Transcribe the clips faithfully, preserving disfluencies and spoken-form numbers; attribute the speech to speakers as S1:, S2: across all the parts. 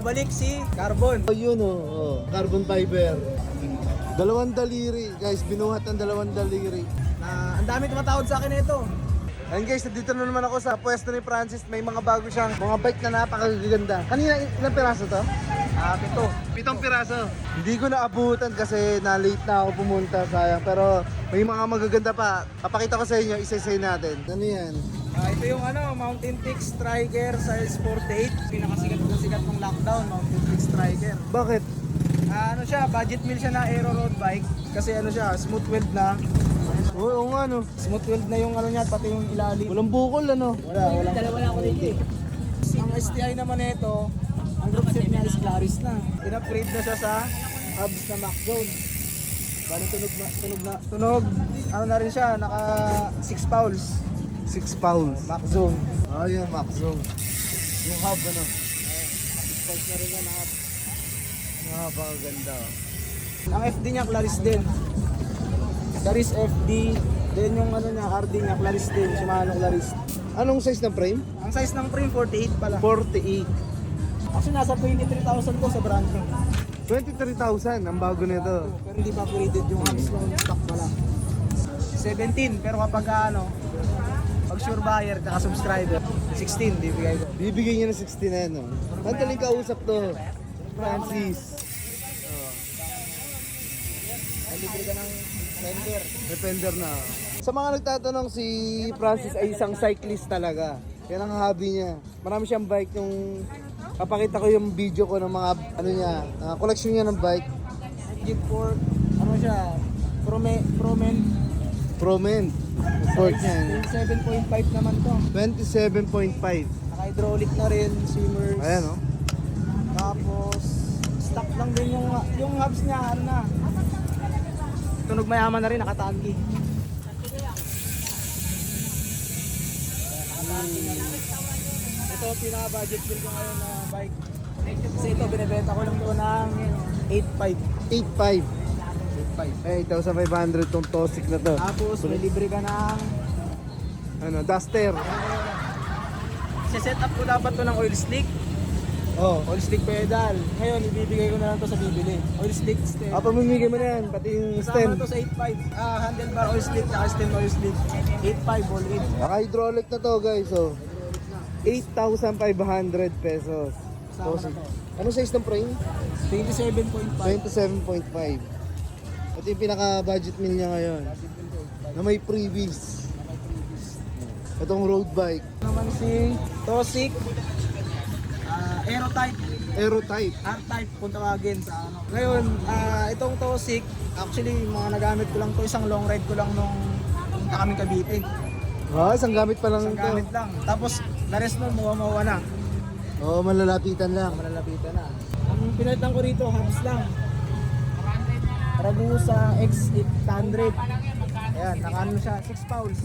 S1: Nagbabalik si Carbon.
S2: Oh, yun oh, oh, carbon fiber. Dalawang daliri, guys. Binuhat ng dalawang daliri.
S1: Na ang dami tumatawad sa akin nito.
S2: Ayun guys, nandito na naman ako sa pwesto ni Francis. May mga bago siyang mga bike na napakaganda. Kanina, ilang piraso to?
S1: Ah, pito.
S2: Pitong piraso. Hindi ko naabutan kasi na-late na ako pumunta, sayang. Pero may mga magaganda pa. Papakita ko sa inyo, isa-isay natin. Ano yan?
S1: Ah, ito yung ano, Mountain Peak Striker size forty-eight. Pinakasikat na sikat ng lockdown, Mountain Peak Striker.
S2: Bakit?
S1: Ah, ano siya, budget meal siya na aero road bike. Kasi ano siya, smooth weld na.
S2: Oo, oo nga no.
S1: Smooth weld na yung ano niya, pati yung ilalim.
S2: Walang bukol ano.
S1: Wala, wala. Dalawa na ako dito eh. Ang S T I naman nito, ang group set niya is Claris na. In-upgrade na siya sa hubs na Max Zone. Bali tunog na, tunog na, tunog. Ano na rin siya, naka six fouls.
S2: Six pounds.
S1: Max Zone.
S2: Ah, yan, Max Zone. Yung hub ano.
S1: six fouls na rin yan, hub.
S2: Napakaganda.
S1: Ang F D niya, Claris din. Claris F D. Then yung ano niya, R D niya, Claris din. Shimano Claris.
S2: Anong size ng frame?
S1: Ang size ng frame, forty-eight pala.
S2: forty-eight.
S1: Actually, nasa twenty-three thousand ko sa brand ko.
S2: twenty-three thousand ang bago nito.
S1: Pero hindi pa upgraded yung hubs ng stock pala. seventeen, pero kapag ano, pag sure buyer, kaka subscriber, sixteen, bibigay ko.
S2: Bibigyan niya ng sixty na yan, no? Madaling kausap to. Francis.
S1: Ay, libre ka ng sender.
S2: Defender na. Sa mga nagtatanong, si Francis ay isang cyclist talaga. Yan ang hobby niya. Marami siyang bike. Yung papakita ko yung video ko ng mga ano niya, uh, collection niya ng bike.
S1: Jeep Ford, ano siya, Prome, Promen,
S2: Promen. Sport niya.
S1: twenty-seven point five naman to.
S2: twenty-seven point five.
S1: Naka-hydraulic na rin, swimmers.
S2: Ayan, no?
S1: Tapos, stock lang din yung, yung hubs niya, ano na. Tunog mayaman na rin, nakatanki. Ito, pinaka-budget bill ko ngayon na bike. Kasi ito, binibenta ko lang doon ng eight five.
S2: eight five.
S1: eight five.
S2: Ay, eight thousand five hundred tong Tosik na to.
S1: Tapos, may libre ka ng...
S2: Ano, Duster.
S1: Set up ko dapat to ng oil slick.
S2: Oh.
S1: Oil slick pedal. Ngayon, ibibigay ko na lang to sa bibili. Oil slick stem.
S2: Ah, pamimigay mo na yan, pati yung stem.
S1: Kasama to sa eight five. Ah, handlebar oil slick, saka stem oil slick. eight five all in.
S2: Naka-hydraulic na to, guys, oh. eight thousand five hundred pesos.
S1: Kasama
S2: Tosik.
S1: na to.
S2: Ano size ng frame?
S1: twenty-seven point five.
S2: twenty-seven point five. Ito yung pinaka-budget meal niya ngayon. Na may freebies. Itong road bike.
S1: Naman si Tosik. Ah, Aero type.
S2: Aero type.
S1: R-type kung tawagin sa ano. Ngayon, ah, itong Tosik, actually, mga nagamit ko lang to, isang long ride ko lang nung punta kami Cavite.
S2: Ah, isang gamit pa lang
S1: Isang
S2: ito.
S1: gamit lang. Tapos, the rest nun, mawa-mawa na.
S2: Oo, oh, malalapitan lang.
S1: Malalapitan na. Ang pinalitan ko rito, hubs lang. Ragusa X eight hundred. Ayan, nakaano siya, six fouls.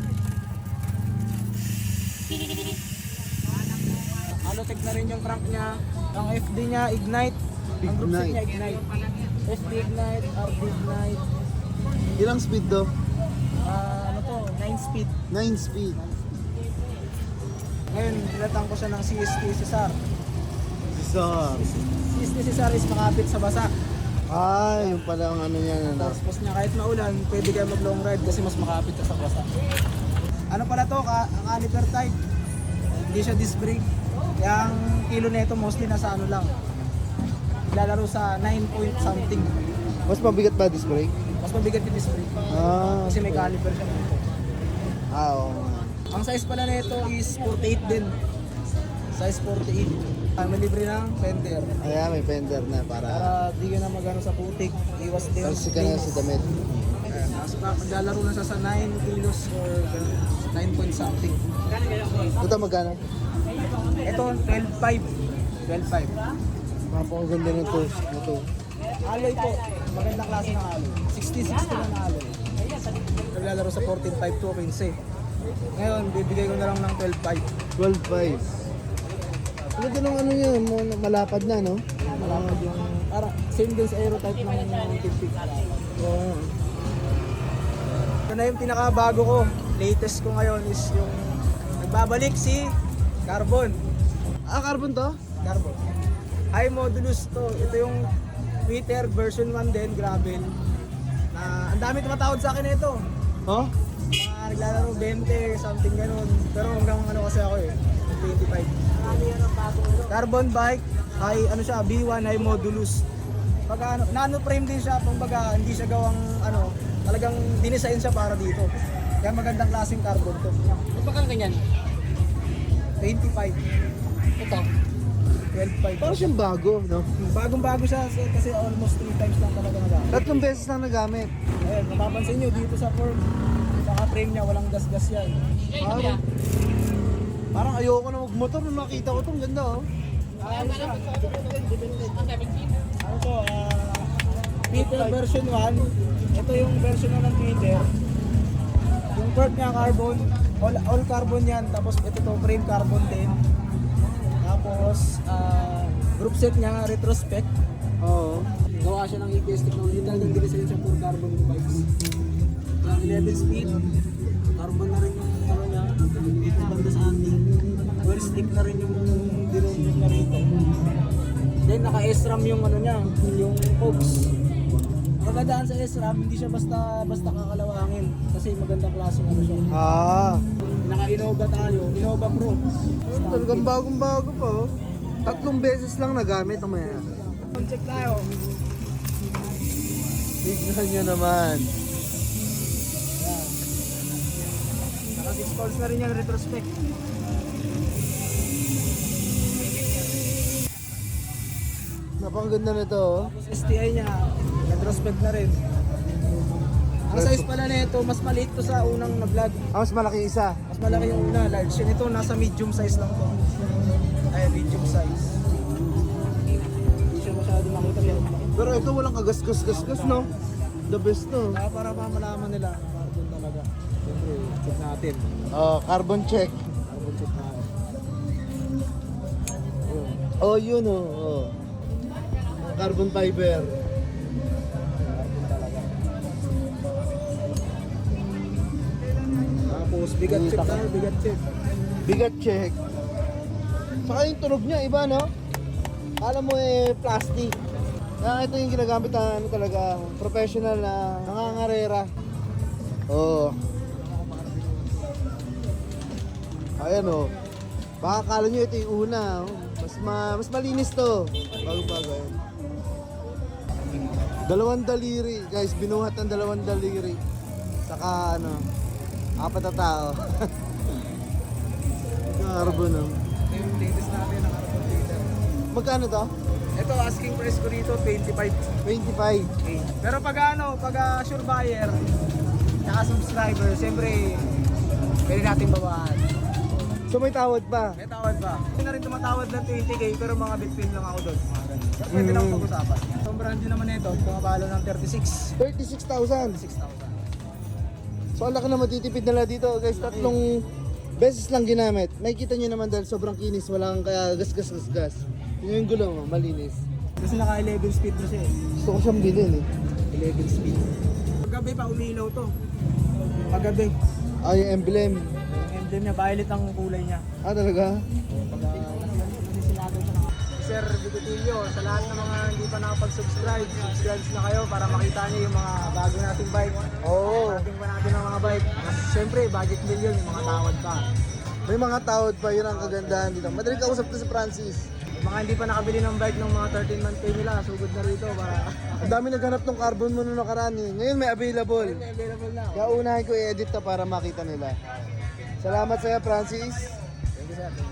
S1: Alotech na rin yung crank niya. Ang F D niya, Ignite. Ang group set niya, Ignite. F D Ignite, R D Ignite.
S2: Ilang speed do?
S1: Ah, ano to, nine speed.
S2: nine speed.
S1: Ngayon, pinalitan ko siya ng C S T Cesar.
S2: So,
S1: C S T Cesar is makapit sa basa.
S2: ah, yung pala ang ano yan. Ano?
S1: Tapos niya kahit maulan, pwede kayo mag long ride kasi mas makapit ka sa basa. Ano pala to, ka, ang caliper type. Hindi siya disc brake. Yung kilo nito mostly nasa ano lang. Lalaro sa nine point something.
S2: Mas mabigat ba disc brake?
S1: Mas mabigat yung disc brake.
S2: Ah,
S1: Kasi may caliper siya nito.
S2: ah, oo.
S1: Ang size pala nito is forty-eight din. Size forty-eight. Ah, may libre ng fender.
S2: Ayan, may fender na para
S1: Para di ka na magano sa putik. Iwas din.
S2: talsi ka na sa damit.
S1: Ayan, nasa maglalaro na siya sa nine kilos or nine point something.
S2: Ito magkano?
S1: Ito, twelve five. twelve five.
S2: Napakaganda ng to. Ito.
S1: Alloy po. Magandang klase ng alloy. sixty sixty lang na alloy. Naglalaro sa fourteen five to quince. Ngayon, bibigay ko na lang ng twelve five.
S2: twelve five. Ano ganun ano yun? mo- Malapad na, no?
S1: Malapad yung... Para, same din sa aero type ng Mountain Peak.
S2: Oo.
S1: Ito na yung pinakabago ko. Latest ko ngayon is yung... Nagbabalik si Carbon.
S2: Ah, carbon to?
S1: Carbon. iModulus to. Ito yung Twitter version one din, gravel. Na ang dami tumatawad sa akin nito.
S2: Huh?
S1: Mga naglalaro twenty, something ganun. Pero hanggang ano kasi ako eh, twenty-five. Carbon bike, high, ano siya, B one high modulus. Pag ano, nano frame din siya, kumbaga hindi siya gawang ano, talagang dinesign siya para dito. Kaya magandang klaseng carbon to.
S3: Bakal ganyan?
S1: twenty-five,
S3: Ito.
S1: twelve point five.
S2: Parang siyang bago, no?
S1: Bagong-bago siya kasi- kasi almost three times lang talaga nagamit.
S2: Tatlong beses lang nagamit.
S1: Ayun, mapapansin nyo dito sa form, sa frame niya, walang gas-gas yan.
S2: Parang, parang ayoko na magmotor nung nakita ko to. Ang ganda, oh.
S1: Ayun siya. Ano to, ah, Twitter version one. Ito yung version one ng Twitter. Yung port niya carbon, all, all carbon yan. Tapos ito to, frame carbon din. Tapos, ah, group set niya, retrospect.
S2: Oo.
S1: Gawa siya ng E P S technology dahil nang dinesign siya for carbon bikes. Yung eleven speed, carbon na rin yung ano niya, dito banda sa ating. Well stick na rin yung dinunod na rito. Then naka-S RAM yung ano niya, yung cogs. Magandaan sa S RAM, hindi siya basta basta kakalawangin kasi magandang klase ano siya.
S2: Ah.
S1: Naka-Innova tayo, Innova Pro.
S2: Talagang bagong-bago pa, oh. Tatlong beses lang nagamit ang maya.
S1: Check tayo.
S2: Tignan nyo naman.
S1: Yan. Naka six calls na rin yan, retrospect.
S2: Napakaganda nito, oh.
S1: Tapos S T I niya, retrospect na rin. Ang size pala nito, mas maliit to sa unang na-vlog.
S2: Ah, mas malaki isa.
S1: Mas malaki yung una, large. Yun ito, nasa medium size lang to. Ay, medium size. Hindi siya masyado makita yan.
S2: Pero ito walang kagas-gas-gas-gas, no? The best, no?
S1: Kaya para mamalaman nila, carbon talaga. Siyempre, check natin.
S2: Oh, carbon check.
S1: Carbon check natin. Ayun.
S2: Oh, yun, oh. oh. Carbon fiber.
S1: Carbon talaga. Tapos, bigat check tayo, bigat check.
S2: Bigat check. Saka yung tunog niya, iba, no? Kala mo eh, plastic. Kaya ito yung ginagamit na ano talaga, professional na nangangarera. Oo. Oh. Ayan, oh. Baka kala nyo ito yung una. Oh. Mas, ma mas malinis to. Bago-bago, ayan. Dalawang daliri, guys. Binuhat ng dalawang daliri. Saka, ano, apat na tao. Carbon, no?
S1: Ito yung latest natin ng carbon filter.
S2: Magkano to?
S1: Ito, asking price ko dito, twenty-five
S2: twenty-five.
S1: K. Pero pag ano, pag uh, sure buyer, tsaka subscriber, siyempre, pwede natin bawahan.
S2: So may tawad pa.
S1: May tawad pa. Hindi na rin tumatawad ng twenty K, pero mga bitpin lang ako doon. Mga ganun. Pero pwede lang
S2: Mm.
S1: pag-usapan. Itong brand din naman ito, pumapalo ng thirty-six.
S2: thirty-six thousand.
S1: six thousand.
S2: So ang laki na matitipid nila dito guys. Tatlong beses lang ginamit. Nakikita nyo naman dahil sobrang kinis. Walang kaya gas gas gas gas. Yun yung gulong, oh, malinis.
S1: Kasi naka eleven speed na siya eh.
S2: Gusto ko siyang bilhin eh.
S1: eleven speed. Paggabi pa umilaw to. Paggabi.
S2: Ah, yung emblem.
S1: Yung emblem niya, violet ang kulay niya.
S2: Ah, talaga?
S1: Pag kasi sinagaw siya ng... Sir Bigotilio, sa lahat ng mga hindi pa nakapag-subscribe, subscribe na kayo para makita niyo yung mga bago nating bike.
S2: Oo.
S1: Parating pa natin ang mga bike. Mas siyempre, budget million, yung mga tawad pa.
S2: May mga tawad pa. Yun ang kagandahan dito. Madaling kausap to si Francis.
S1: Yung mga hindi pa nakabili ng bike ng mga thirteen month pay nila, sugod na rito para...
S2: Ang dami naghanap ng carbon mo nung nakaraan eh. Ngayon may available.
S1: May available na.
S2: Kaya unahin ko i-edit to para makita nila. Salamat sa'yo, Francis.
S1: Thank you, sir.